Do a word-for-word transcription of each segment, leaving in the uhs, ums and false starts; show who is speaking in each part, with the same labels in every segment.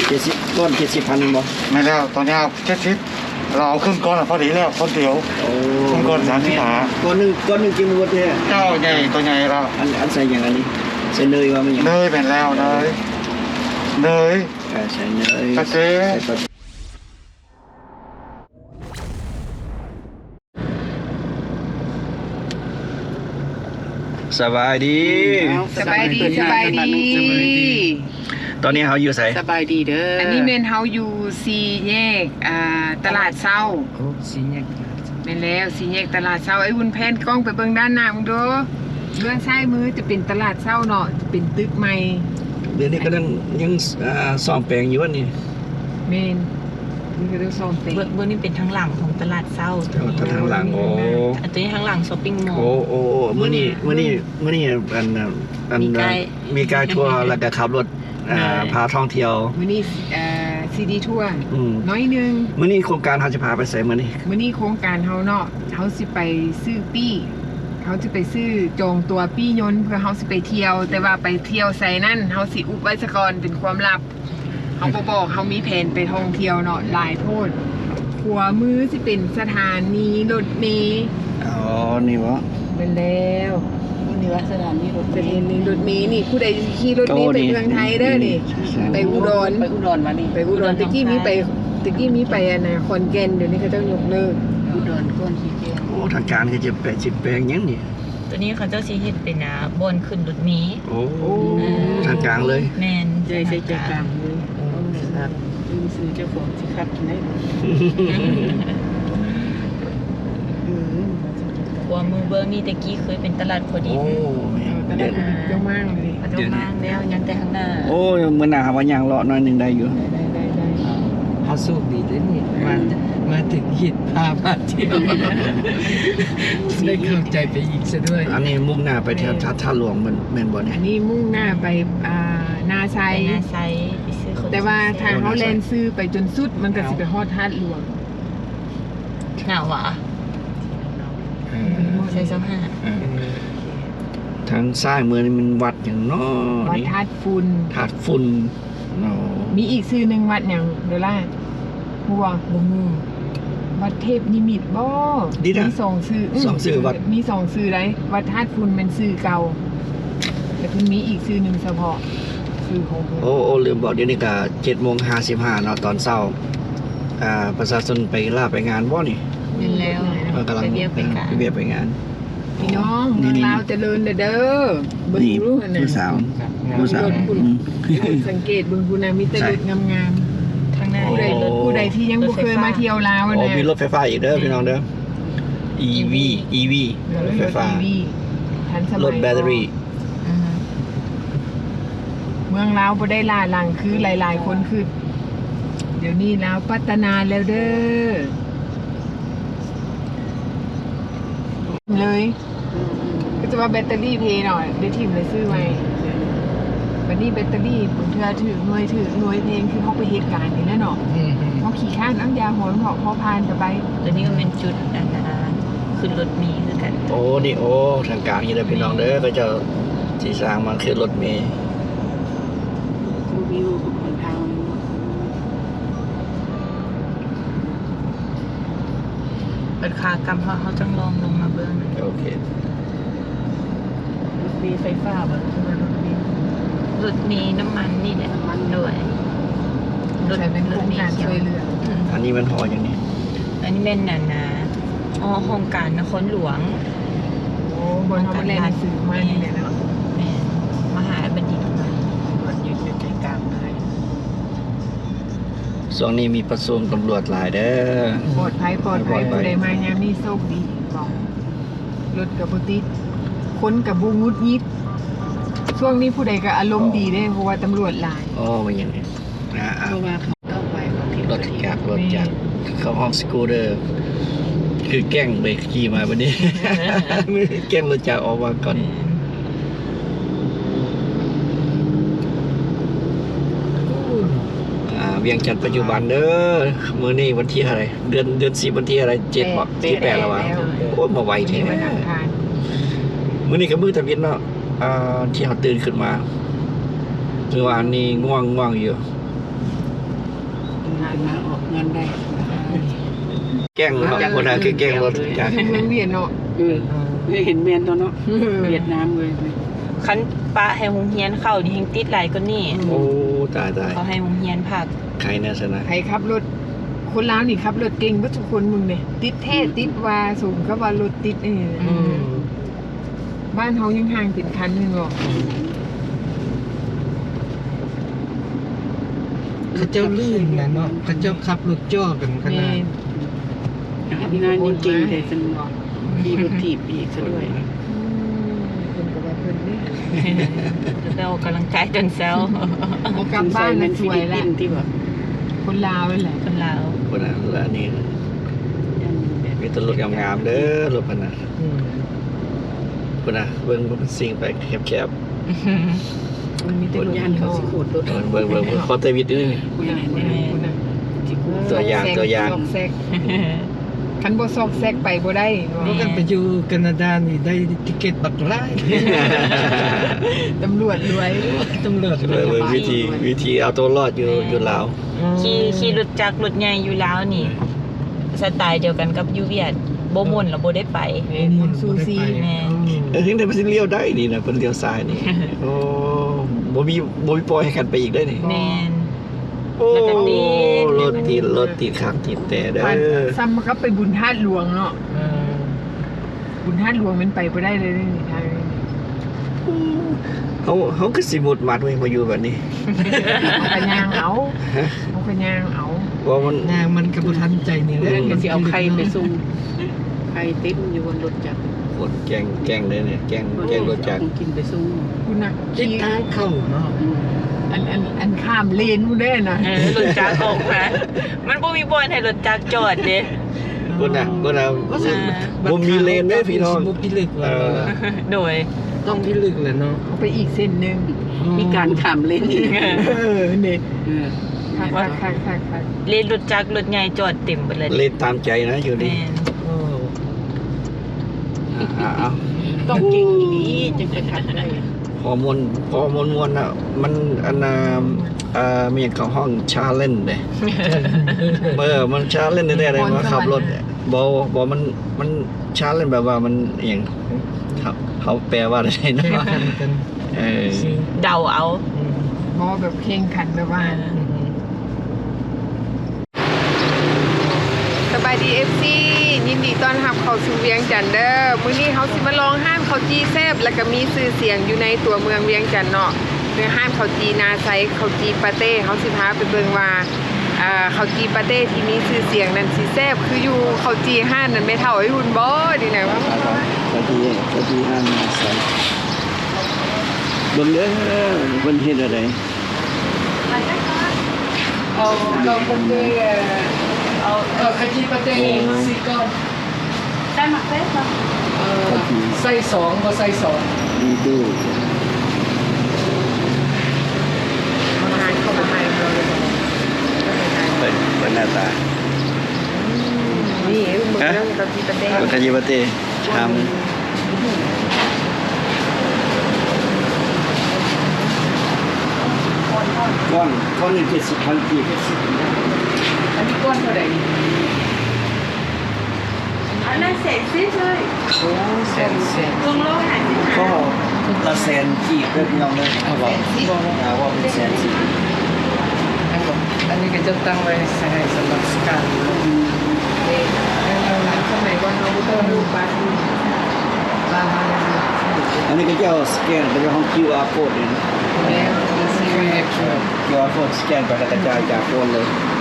Speaker 1: เจ็ดสิบก้อนเจ็ดสิบพันบ่
Speaker 2: ไม่แล้วตอนนี้เจ็ดสิบเราเอาขึ้นก้อนพอดีแล้วคนเดียวขึ้นก้อนสามสิบห้า
Speaker 1: ก้อนหนึ่งก้อนหนึ่งกินหมดเลย
Speaker 2: เจ้าใหญ่ตัวใหญ่เรา
Speaker 1: อันอันใส่อย่างอันนี้ใส่เนยว่ามันอย่าง
Speaker 2: เนยเป็นแล้วเนยเนย
Speaker 1: ใส่เนย
Speaker 2: กระเทียม
Speaker 1: สบายดี
Speaker 3: สบายดีสบายดี
Speaker 1: ตอนนี้เขาอยู่ไส
Speaker 3: สบายดีเด้ออันนี้เมนเฮาอยู่สี่แยกอ่าตลาดเช้า
Speaker 4: โอ้สี่แยก
Speaker 3: เป็นแล้วสี่แยกตลาดเช้าไอ้วุ้นแพนกล้องไปเบิ่งด้านหน้ามึงดูเบื้องซ้ายมือจะเป็นตลาดเช้าเนาะเป็นตึกใหม่
Speaker 1: เดี๋ยวนี้ก็ยังยังซ่อมแปลงอยู่ว่านี่
Speaker 3: เมนนี่ก็ต้องซ่อมแปลง
Speaker 4: เบื้องนี้เป็นทางหลังของตลาดเช้า
Speaker 1: ทางหลังโอ้
Speaker 4: อันตัวนี้ทางหลังช้อปปิ้งมอลล์
Speaker 1: โอ้โอ้มื้อนี้มื้อนี้มื้อนี้อันอันมีการทัวร์แล้วก็ขับรถพาท่องเที่ยว
Speaker 3: มื้อนี้อ่าซีดีทัวร์น้อยนึง
Speaker 1: มื้อนี้โครงการเฮาจะพาไปไสมื้อนี้
Speaker 3: มื้อนี้โครงการเฮาเนาะเฮาสิไปซื้อปี้เขาจะไปซื้อจองตัวปี้ยนต์เพื่อเขาสิไปเที่ยวแต่ว่าไปเที่ยวใส่นั่นเขาสิอุบไว้ซะก่อนเป็นความลับเขาบ่บอกเขามีแผนไปท่องเที่ยวเนาะหลายโพดขวามือสิเป็นสถานีรถเมล์
Speaker 1: อ๋อนี่วะ
Speaker 3: เป็นแล้วนี่ว่าสถานีรถเมล์นี่รถเมล์นี่ผู้ใดขี่รถเมล์ไปเมืองไทยเด้อนี่ไปอุดร
Speaker 4: ไปอุดรมานี่
Speaker 3: ไปอุดรตะกี้มีไปตะกี้มีไปอันน่ะขอนแก่นเดี๋ยวนี้เขาเจ้ายกเลิก
Speaker 4: อุดรก่อนสิแก
Speaker 1: โอ้ทางการก็จะแปดสิบแปลงยังนี่
Speaker 4: ตัวนี้เขาเจ้าสิเฮ็ดเป็นนะบนขึ้นรถเมล์
Speaker 1: โอ้ทางการเลย
Speaker 4: แม่น
Speaker 3: ใจใจใจกลางเลยครับมีซื้อเจ้าของสิครับกินได้
Speaker 4: หัวมือเบิ้งนี่ตะกี้เคยเป็นตลาดพอดี
Speaker 1: โอ้
Speaker 3: ตลาดเจ้ามากเลย
Speaker 4: เจ้ามากแล้วยังแต่ข้างหน้า
Speaker 1: โอ้มื้อหน้าว่าย่างเลาะหน่อยนึงได้อยู่
Speaker 3: ได้ได้ได้
Speaker 4: เฮาสู้ดีเด้นี่มามาถึงหิดพามาเที่ยวได้เข้าใจไปอีกซะด้วย
Speaker 1: อันนี้มุ่งหน้าไปแถวท่าหลวงมันแม่นบ่เนี่ย
Speaker 3: อันนี้มุ่งหน้าไปอ่านาไซ
Speaker 4: นาไซไปซื้อ
Speaker 3: แต่ว่าทางเขาแลนซื้อไปจนสุดมันก็สิไปฮอดท่าหลวง
Speaker 4: หนาวอ่ะใส่เสื้อผ้า
Speaker 1: ทางซ้ายมือนี่มันวัดอย่างน้อ
Speaker 3: วัดธาตุฝุ่น
Speaker 1: ธาตุฝุ่น
Speaker 3: มีอีกชื่อหนึ่งวัดอย่างเดล่าหัวบุ้งวัดเทพนิมิตบ่มีสองชื่อ
Speaker 1: สองชื่อวัด
Speaker 3: มีสองชื่อไรวัดธาตุฝุ่นเป็นชื่อเก่าแต่เพิ่งมีอีกชื่อหนึ่งเฉพาะชื่อของ
Speaker 1: โอ้โอ้ลืมบอกเดี๋ยวนี้ก็เจ็ดโมงห้าสิบห้าเนาะตอนเช้าอ่าประชาชนไปล่าไปงานบ่นี่
Speaker 4: เป็นแล้ว
Speaker 1: กำลัง
Speaker 4: ไปเบียร์ไปงาน
Speaker 1: ไปเบียร์ไปงาน
Speaker 3: พี่น้องเมืองลาวเจริญเด้อ
Speaker 1: เบิ่งรู้หั่นน่ะผู้สาวผู้สาว
Speaker 3: สังเกตเบิ่งผู้น่ะมีแต่รถงาม
Speaker 4: ๆทางหน้า
Speaker 3: ผู้ใดผู้ใดที่ยังบ่เคยมาเที่ยวลาวน่ะ
Speaker 1: โอ้มีรถไฟฟ้าอีกเด้อพี่น้องเด้อ อี วี อี วี รถไฟฟ้า
Speaker 3: ทันสมัย
Speaker 1: รถแบตเตอรี่
Speaker 3: เมืองลาวบ่ได้ล่าหลังคือหลายๆคนคือเดี๋ยวนี้ลาวพัฒนาแล้วเด้อเลยก็จะว่าแบตเตอรี่เพย์หน่อยได้ทีมเลยซื้อไว้วันนี้แบตเตอรี่ผมเธอถือหน่วยถือหน่วยเพลงคือเขาไปเหตุการณ์นี่แน่นอนเขาขี่ข้ามน้ำยาหัวเพาะพอพานไป
Speaker 4: ตัวนี้ก็เป็นจุดอันนั้นขึ้นรถเมล์คือกัน
Speaker 1: โอ้นี่โอ้ทางกลางนี่เลยพี่น้องเด้อก็จะที่สร้างมันคือรถเมล์
Speaker 3: วิวของทาง
Speaker 4: เป็นขากรรมเขาเขาจังลองลงมาเบื้อง
Speaker 1: โอเค
Speaker 3: รถเมล์ไฟฟ้าบ่ใช่ไหมรถเมล์
Speaker 4: รถเมล์น้ำมันนี่แหละมันด้วย
Speaker 3: รถเป็นโครงการช่วยเหลือ
Speaker 1: อันนี้มันหออย่างนี้
Speaker 4: อันนี้เป็นน่ะนะอ๋อโครงการนครหลวง
Speaker 3: โอ้บนเขาแลนสื่อมานี่แหละนะ
Speaker 4: แม่มหาบัณฑิตมา
Speaker 3: มันอยู่ใจกลางเลย
Speaker 1: ช่วงนี้มีประชุมตำรวจหลายเด้อ
Speaker 3: ปลอดภัยปลอดภัยผู้ใดมายามนี้โชคดีบอกรถกับบุติดคนกับบูงุดยิดช่วงนี้ผู้ใดก็อารมณ์ดีได้เพราะว่าตำรวจหลาย
Speaker 1: อ๋อมันอย่างนี้นะ
Speaker 3: เพราะว่าเขาเข้าไป
Speaker 1: รถจากรถจากเข้าห้องสกูเตอร์คือแกล้งเบรกขี่มาวันนี้แกล้งรถจากออกมาก่อนเวียงจันทร์ปัจจุบันเด้อมื้อนี้วันที่อะไรเดือนเดือนสิบวันที่อะไรเจ็ดบ่ที่แปดแล้ววะโอ้มาไวแท้มื้อนี้ก็มื้อตะเวนเนาะอ่าที่เฮาตื่นขึ้นมาเมื่อวานนี้ง่วงง่วงอยู่
Speaker 5: มาออกงานได้
Speaker 1: แกล้งเนาะคนนั้นคือแกล้งรถจักร
Speaker 3: เมืองเวียดเนาะ
Speaker 5: เออเห็นแมนตัวเนาะเวียดนามเลย
Speaker 6: คันปะให้โรงเรียนเข้านี่ยังติดหลายกว่านี้
Speaker 1: โอ้ตายตาย
Speaker 6: เขาให้โรงเรียนพัก
Speaker 1: ใครแน่สนะ
Speaker 3: ใครขับรถคนลาวนี่ขับรถเก่งเบ่ทุกคนมึงเนี่ยติดแท้ติดว่าสูงก็ว่ารถติดนี่
Speaker 6: อืม
Speaker 3: บ้านเฮายังห่างเป็นคันนึงบ่
Speaker 4: เขาเจ้าลื่นนะเนาะเขาเจ้าขับรถจ่อกันข
Speaker 3: แม่
Speaker 4: นาด
Speaker 5: งานนี่เก่งแต่สนุกมีรถถีบอีกซะด้วย
Speaker 3: อืมเพิ่นก็ว่าเพิ่นนี่
Speaker 6: เรากำลังใจจนแซว
Speaker 3: บ่กลับบ้านแล้วสวยแล้ว
Speaker 5: ที่แบบ
Speaker 3: คนลาวนั่นแหละ
Speaker 6: คนลาว
Speaker 1: คนนั้นและนี่มีแตรถงามๆเด้อรถพนน่ะ
Speaker 4: อืม
Speaker 1: คนน่ะเบิ่งมันสิ่งไปแคบ
Speaker 3: มันมีแต่รถ
Speaker 5: ย่านเขาสิขูดรถ
Speaker 1: ๆเบิ่งเบิ่งเบิ่งพอเตวิดนี่
Speaker 5: คุณอะไรเนี่ย
Speaker 3: คุณน่ะ
Speaker 5: ที่ขูด
Speaker 1: ตัวอย่างตัวอย่าง
Speaker 3: ซอกแซกคันบ่ซอกแซกไปบ่ได้
Speaker 4: เพราะกันไปอยู่แคนาดานี่ได้ติเกตบักไล่
Speaker 3: ตำรวจรวย
Speaker 4: ตำรวจ
Speaker 1: เบิ่งเบิ่งวิธีวิธีเอาตัวรอดอยู่อยู่ลาว
Speaker 6: ขี่ขี่รถจักรรถใหญ่อยู่ลาวนี่ สไตล์เดียวกันกับอยูเวียดบ่ม่วนแล้วบ่ได้ไป
Speaker 3: แม่นมุนซูซี
Speaker 6: แม่
Speaker 1: เออถึงได้ไปเลี้ยวได้นี่นะเพิ่นเลี้ยวซ้ายนี่โอ้บ่มีบ่มีปล่อยให้กันไปอีกได้นี่
Speaker 6: แม่น
Speaker 1: โอ้
Speaker 6: แล้วก็ติด
Speaker 1: รถติดรถติดขับติดแต่เด้
Speaker 3: บ้าน
Speaker 1: อ
Speaker 3: ซ้ำมันก็ไปบุญธาตุหลวงเนาะ
Speaker 4: เออ
Speaker 3: บุญธาตุหลวงมันไปบ่ได้เลยนี่ทางนี้
Speaker 1: เขาเขาคือสิหมุดมัดไว้มาอยู่แบบนี้
Speaker 3: เอากระยางเอา
Speaker 1: ฮะ
Speaker 3: เอากระยางเอา
Speaker 1: ว่ามัน
Speaker 4: นางมันกระบุทันใจนี่แหละ
Speaker 5: เรื่องก็สิเอาใครไปส่งใครติดอยู่บนรถจักร
Speaker 1: กดแกงแกงเลยเนี่ยแกงแกงรถจักร
Speaker 5: กินไปส่ง
Speaker 3: คุณน่ะ
Speaker 4: ติดทางเข้าเนาะ
Speaker 3: อันอันอันข้ามเลนมูได้นะ
Speaker 6: เออรถจักรออกมามันบ่มีบอนให้รถจักรจอดเด้
Speaker 1: คนน่ะคนน่ะ
Speaker 4: ว่าสิ
Speaker 1: บ่มีเลนเด้อพี่น้อง
Speaker 4: บ่พิลึก
Speaker 1: เอ
Speaker 4: ว่า
Speaker 1: อ
Speaker 6: โดย
Speaker 4: ต้องพิลึกแหละเนาะ
Speaker 3: เอาไปอีกเส้นหนึ่ง
Speaker 5: มีการขามเล่นอีก
Speaker 3: เออเนี่ย
Speaker 5: เออ
Speaker 3: คักคักคักคักคัก
Speaker 6: เลนรถจักรรถใหญ่จอดเต็มไปเลย
Speaker 1: เลนตามใจนะอยู่นี่
Speaker 6: แม่น
Speaker 4: โอ้
Speaker 1: อ่าเอา
Speaker 5: ต้องเก่งอีนี้จึงจะขับได้
Speaker 1: พอมวนพอมวนมวนอ่ะมันอันน่ะเอ่อมีของห้องชาเลนเด้เออมันชาเลนได้เลยว่าขับรถเนี่ยบ่บ่มันมันชาเลนแบบว่ามันอหย่างครับเขาแปลว่าอะไร
Speaker 4: แข่ง
Speaker 1: เนาะ
Speaker 4: ขันกัน
Speaker 1: เออ
Speaker 6: เดาเอา
Speaker 4: อืม
Speaker 3: บอแบบเข่งขันแบบว่า
Speaker 4: อืม
Speaker 3: สบายดีเอฟซียินดีต้อนรับเข้าสู่เวียงจันทน์เด้อมื้อนี้เขาสิมาลองห้านข้าวจีแซ่บแล้วก็มีชื่อเสียงอยู่ในตัวเมืองเวียงจันทน์เนาะเนื้อห้านข้าวจีนาไซข้าวจีปาเต้เขาสิพาไปเบิ่งว่าอ่าข้าวจีปาเต้ที่มีชื่อเสียงนั้นสิแซ่บคืออยู่ข้าวจีห้านนั้นไม่เท่าไอ้หุ่นบ่ดีนะว่า
Speaker 1: สวัสดีสวัสดีอ่านมาใส่เบิ่งเด้อเพิ่นเฮ็ดอะไร
Speaker 3: เอาเราปาเต้เอาเอาข้าวจีปาเต้สี่ก้อน
Speaker 6: ได้หมักเฟสป่ะ
Speaker 3: เออใส่สองก็ใส่สอง
Speaker 1: ดีดู
Speaker 3: อาหารเข้ามาใหม่เราเลย
Speaker 1: เปิดเปิดหน้าตา
Speaker 3: นี่มึงเรื่องข้าวจีปาเต้
Speaker 1: รถคายิบะเต้ชามก้อนก้อนหนึ่งเจ็ดสิบพันกีบ
Speaker 3: อันนี้ก้อนเท่าไหร่นี่
Speaker 6: อันนั้นเสร็จสิ้นเลย
Speaker 1: โอ้แสนแสน
Speaker 6: รวมโลหะสิบ
Speaker 1: ก็ละแสนกีบเด้อพี่น้องเด้อเอาว่าเอาว่าเป็นแสนสิ
Speaker 4: อันก็อันนี้ก็จะตั้งไว้ให้สำหรับสการ
Speaker 3: เอ๊ะเราหลังสมัยก่อนเราก็ต้องดูบ้านดูบ้านบ้าน
Speaker 1: อันนี้ก็จะเอาสแกนไปในห้อง คิว อาร์ code นี่นะ
Speaker 3: แล้วมีซีรีส์
Speaker 1: คิว อาร์ code สแกนไปแล้วกระจายจากโฟนเลย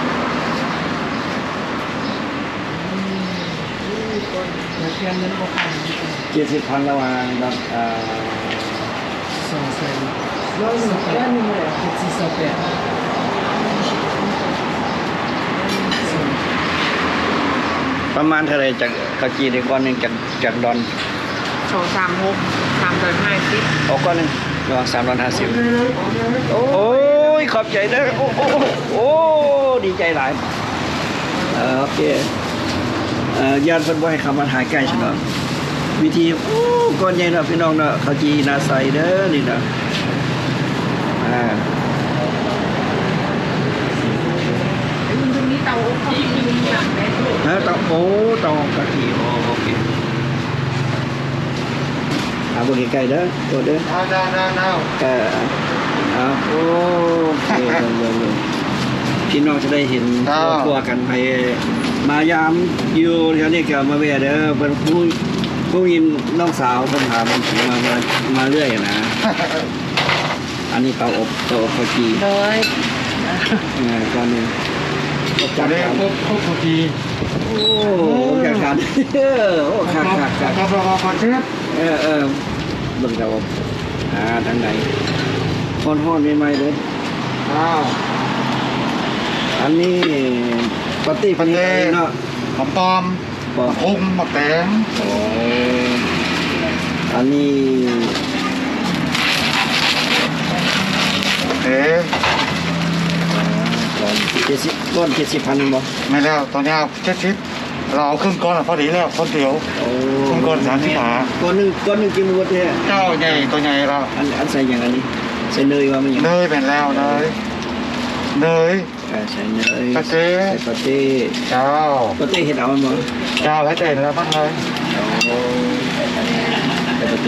Speaker 3: แล้วเพื่อนนั้นก็ผ่าน
Speaker 1: เจ็ดสิบพันระหว่างแบบอ่า
Speaker 4: สองแสน
Speaker 3: ร้อยหนึ่งร้อยหนึ่งเลย
Speaker 4: เจ็ดสี่สองแปด
Speaker 1: ประมาณเท่าไหรจากกะจีในก้อนหนึ่งจากจากดอน
Speaker 3: สองสามหกสามร้อยห้าสิบ
Speaker 1: เอาก้อนหนึ่งระหว่างสามร้อยห้าสิบโอ้ยขอบใจนะโอ้โอ้โอ้ดีใจหลายเออโอเคเอ่อญาติเพิ่นบ่ให้คำมาหาใกล้ฉันเนาะวิธีโอ้ก้อนใหญ่เนาะพี่น้องเนาะข้าวจีนาใสเด้อนี่เนาะอ่า
Speaker 3: ไอ้คุณเธ
Speaker 1: โอ้เตากะทิโอโอเคเอาบนไกลๆเด้อตัวเด้อ
Speaker 2: เอาเอาเอาเอา
Speaker 1: เออเอาโอเคเร็วๆพี่น้องจะได้เห็นครอบครัวกันไปมายามอยู่แถวนี้ก็มาแวะเด้อเพิ่นผู้ผู้ยินน้องสาวเพิ่นถามมามามาเรื่อยนะ อันนี้เตาอบเตาอบข้าวจี
Speaker 5: โดย
Speaker 1: เออก่อนหนึงอบ
Speaker 2: จะ
Speaker 1: จาก
Speaker 2: ได้
Speaker 1: การ
Speaker 2: พบพบพอดี
Speaker 1: โอ้อบจากการโอ้คักคักคัก
Speaker 2: ครับเราขอเช็ด
Speaker 1: เออเออเบิ่งเตาอบอ่าทางไหนฮ้อนๆใหม่ๆเลย
Speaker 2: อ้าว
Speaker 1: อันนี้ปาร์ตี้
Speaker 2: ปาร์ตี้
Speaker 1: เนาะ
Speaker 2: หอมปอม
Speaker 1: ปอ
Speaker 2: พุงมะแตง
Speaker 1: โอ้อันนี้
Speaker 2: เอ๊ะ
Speaker 1: ก่อนเจ็ดสิบก้อนเจ็ดสิบพันบ่
Speaker 2: ไม่แล้วตอนนี้เอาเช็ดชิดเราเอาครึ่งก้อนอะพอดีแล้วคนเดียว
Speaker 1: โอ้
Speaker 2: ครึ่งก้อนสามสิบห้า
Speaker 1: ก้อนหนึงก้อนหนึงกินหมดแท้
Speaker 2: เจ้าใหญ่ตัวใหญ่เรา
Speaker 1: อันอันใส่อย่างอันนี้ใส่เนยว่ามันอย่าง
Speaker 2: เนยเป็นแล้วเนยเนย
Speaker 1: เออใส่เนย
Speaker 2: ปาเต้
Speaker 1: ใส่ปาเต้
Speaker 2: เจ้า
Speaker 1: ปาเต้เห็ดเอามันบ่
Speaker 2: เจ้าให้เด่นแล้วบ้างเลย
Speaker 1: โอ้ใส่ปาเต้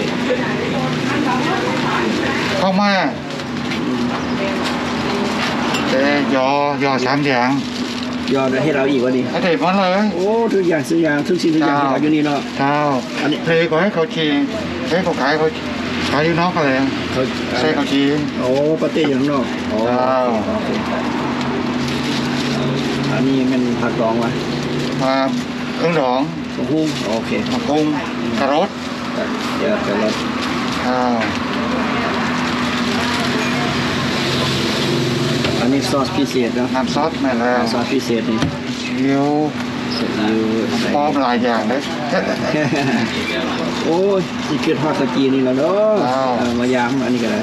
Speaker 2: เข้ามาเจ๊ยอยอสามอย่าง
Speaker 1: ยอดเห็ดเอาอีกวะนี่
Speaker 2: ให้เด่นมาเลย
Speaker 1: โอ้ทุกอย่างทุกอย่างทุกสิ่งทุกอย่างที่เอาอยู่นี่เนาะ
Speaker 2: เจ้า
Speaker 1: อันนี้
Speaker 2: เทก็ให้เขาชีเทเขาขายเขาขายอยู่นอกกันเลย
Speaker 1: เขา
Speaker 2: ใส่เขาชี
Speaker 1: โอ้ปาเต้อยู่ข้างนอกโอ้
Speaker 2: ว้าว
Speaker 1: อันนี้มันผักดองวะ
Speaker 2: มาเครื่องดอง
Speaker 1: มะฮุ่งโอเค
Speaker 2: มะกรุงกระรส
Speaker 1: เดี๋ยวจะลด
Speaker 2: อ้าว
Speaker 1: อันนี้ซอสพิเศษเนาะ
Speaker 2: น้ำซอสแม่แล้ว
Speaker 1: ซอสพิเศษนี่
Speaker 2: เชียว
Speaker 1: เสร็จแล้วใส่
Speaker 2: ป้อมหลายอย่างเลย
Speaker 1: โอ้ยสิเกิดฮอดตะกี้นี่แล้วเนาะ
Speaker 2: อ้าว
Speaker 1: เอามายามอันนี้ก็ได้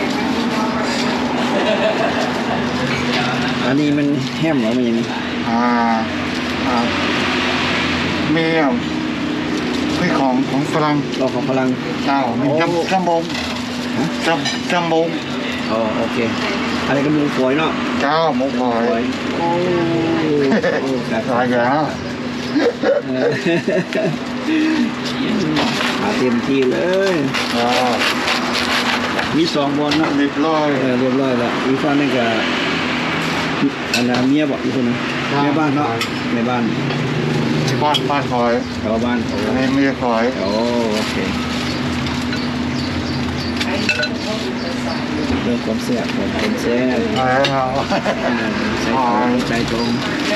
Speaker 1: อันนี้มันแฮมเหรอมันอย่างนี้
Speaker 2: อ่าอ่ามีอ่ะพี่ของของฝรั่ง
Speaker 1: เราของพลัง
Speaker 2: เจ้ามี
Speaker 1: โอ้
Speaker 2: จำจำบงจำจำบง
Speaker 1: อ๋อโอเคอะไรก็มูฝอยเนาะ
Speaker 2: เจ้าหมูฝอ
Speaker 1: ฝอย
Speaker 2: ย
Speaker 1: โอ้โอ้ครับ
Speaker 2: หลายอย่าง
Speaker 1: เออมาเต็มที่เลย
Speaker 2: อ่า
Speaker 1: มีสองบอลเนาะ
Speaker 2: เรียบร้อย
Speaker 1: เออเรียบร้อยแล้วอีกฝั่งนึงก็อันนั้นเมียบอกอีกคนนึงแม่บ้านเนาะแม่บ้าน
Speaker 2: ที่บ้านบ้านคอย
Speaker 1: ชาวบ้านโอ้
Speaker 2: อันนี้เมียคอย
Speaker 1: โอ้โอเคเรื่องความแซ่บของความแซ่บ
Speaker 2: แล้ว
Speaker 1: อ่าใส่ตรงใส่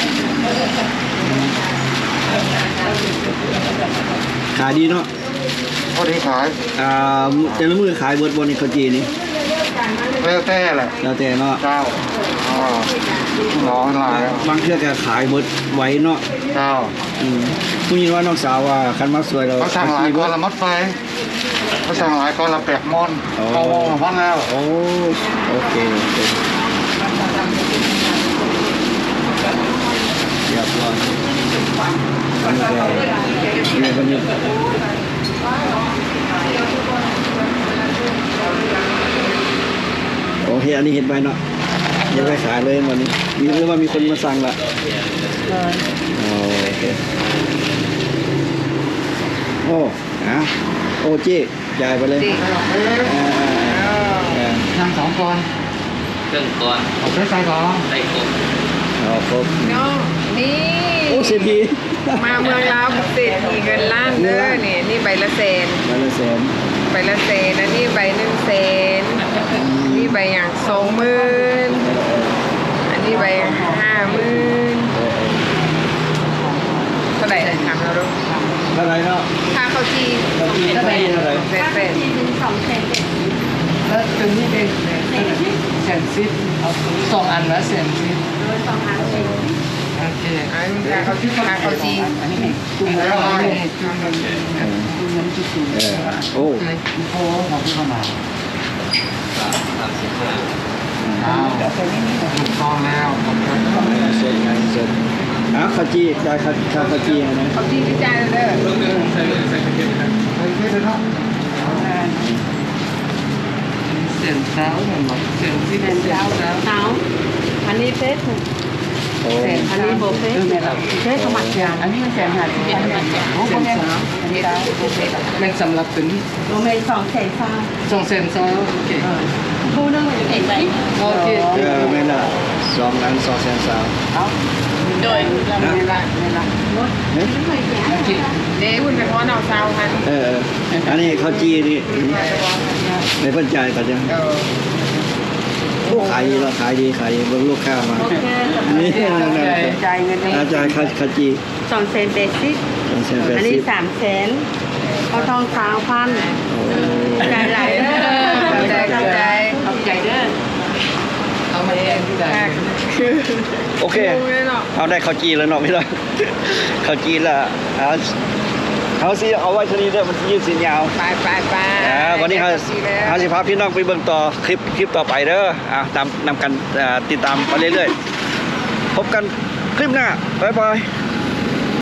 Speaker 1: ตรงขายดีเนาะ
Speaker 2: พอดีขาย
Speaker 1: อ่าแต่ละมือขายเบิร์ดบนในข้าวจีนี่
Speaker 2: แล้วแต่แหละ
Speaker 1: แล้วแต่เนาะ
Speaker 2: เจ้าอ่าร้อนหลาย
Speaker 1: บางเทื่อก็ขายเบิร์ดไว้เนาะ
Speaker 2: เจ้า
Speaker 1: อืมผู้หญิงว่าน้องสาวว่าคันมาสวยเรา
Speaker 2: เขาสั่งหลายก้อนละมัดไฟเขาสั่งหลายก้อนละแปดมอนเอาวงละพันแล้ว
Speaker 1: โอ้โอเคโอเคเรียบร้อยอันนี้ก็เนี่ยวันนี้โอเคอันนี้เห็นไปเนาะยังไม่ขายเลยวันนี้มีหรือว่ามีคนมาสั่งละโอเคโอ้อะโอ้เจ๊จ่ายไปเลย
Speaker 3: เด็ก
Speaker 1: อ่าอ่า
Speaker 2: นั่งสองก้อน
Speaker 4: เครื่องก่อน
Speaker 2: เอาไปใส่ก่อน
Speaker 4: ใส่กบ
Speaker 1: เอาครบ
Speaker 3: เนาะนี่
Speaker 1: โอ้เศรษฐี
Speaker 3: มาเมืองลาวเศรษฐีเงินล้านเด้อนี่นี่ใบละแสน
Speaker 1: มาละแสน
Speaker 3: ใบละแสนอันนี้ใบหนึ่งแสนนี่ใบอย่างสองหมื่นอันนี้ใบห้าหมื่นเท่าไหร่ถามเราดู
Speaker 1: เท่าไหรเนาะ
Speaker 3: ค่าข้าวจี
Speaker 1: เท่าไหร่เท่าไหร่เท่าไหร่
Speaker 3: แสนแสน
Speaker 4: แล้วตัวนี้เป็นแสนซิปเอาสองอันละแสนซิปโอเค
Speaker 3: อันนี้ค่าข้าวจีค่าข้าวจี
Speaker 4: ตุ้มแล้วนี่
Speaker 1: เออโอ้
Speaker 2: โอ้ของพี่ขนาดอ้าวถูกต้องแล้วผมจะ
Speaker 1: เสร็จไงเสร็จอ่ะข้าวจีจ่ายข้าวข้าวข้าวจีนะ
Speaker 3: ข้าวจีพิจารณาเด้อ
Speaker 2: ไปไม่ได้เนาะ
Speaker 4: แสนเช้าเหมือนบอกแสนซิปแสนเช้า
Speaker 5: เอาอันนี้เฟซ
Speaker 1: โอ้
Speaker 4: แสน
Speaker 5: อันนี้โบเฟ่
Speaker 4: เออแม่นละ
Speaker 5: เฟ่ธรรมดา
Speaker 4: อันนี้มันแสนห้าสิบอันนี้มันแสนโอ้โหแม่นอันนี้ได้โอเคแม่นสำหรับตัวนี้
Speaker 5: โบเฟ่สองแสนสาม
Speaker 4: สองแสนสองโอเค
Speaker 5: คู่นึงมันจะเป็นแบบ
Speaker 4: โอเค
Speaker 1: เออไม่น่ะสองล้านสองแสนสาม
Speaker 4: เอาโดยไม่ละไม่ละ
Speaker 1: เอ๊ะ
Speaker 4: โอเค
Speaker 3: เด้คุณเป็นพ่อเอาเซาคัน
Speaker 1: เออเอออันนี้ข้าวจีนี่ในเพิ่นจ่ายก็จะ
Speaker 3: เออ
Speaker 1: โอ้ขายดีแล้วขายดีขายดีเบิ่งลูกค้ามา
Speaker 5: โอเค
Speaker 1: นี่นั่น
Speaker 5: จ่ายเงิน
Speaker 1: อาจารย์ข้าวข้าวจี
Speaker 5: สองแสนเบสิก
Speaker 1: สองแสนแปด
Speaker 5: อัน
Speaker 1: สิ
Speaker 5: นี้
Speaker 1: บ
Speaker 5: สามแสนเขาทองสาวพันจ่ายหลายเด้อ
Speaker 3: เข้าใจเข้าใจ
Speaker 5: ขอบใจเด้อ
Speaker 4: เอามาแทนที่ใด
Speaker 1: โอเค
Speaker 3: ดูเลยเนาะ
Speaker 1: เอาได้ข้าวจีแล้วเนาะพี่น้องข้าวจีละเอาเอาสิเอาไว้ทีนี้เด้อมันยืดสินยาว
Speaker 3: ไปไปไป
Speaker 1: อ่าวันนี้เขา
Speaker 3: แล้ว
Speaker 1: เขาสิพาพี่น้องไปเบิ่งต่อคลิปคลิปต่อไปเด้ออ่าตามนำกันอ่าติดตามไปเรื่อยๆพบกันคลิปหน้าบ๊ายบาย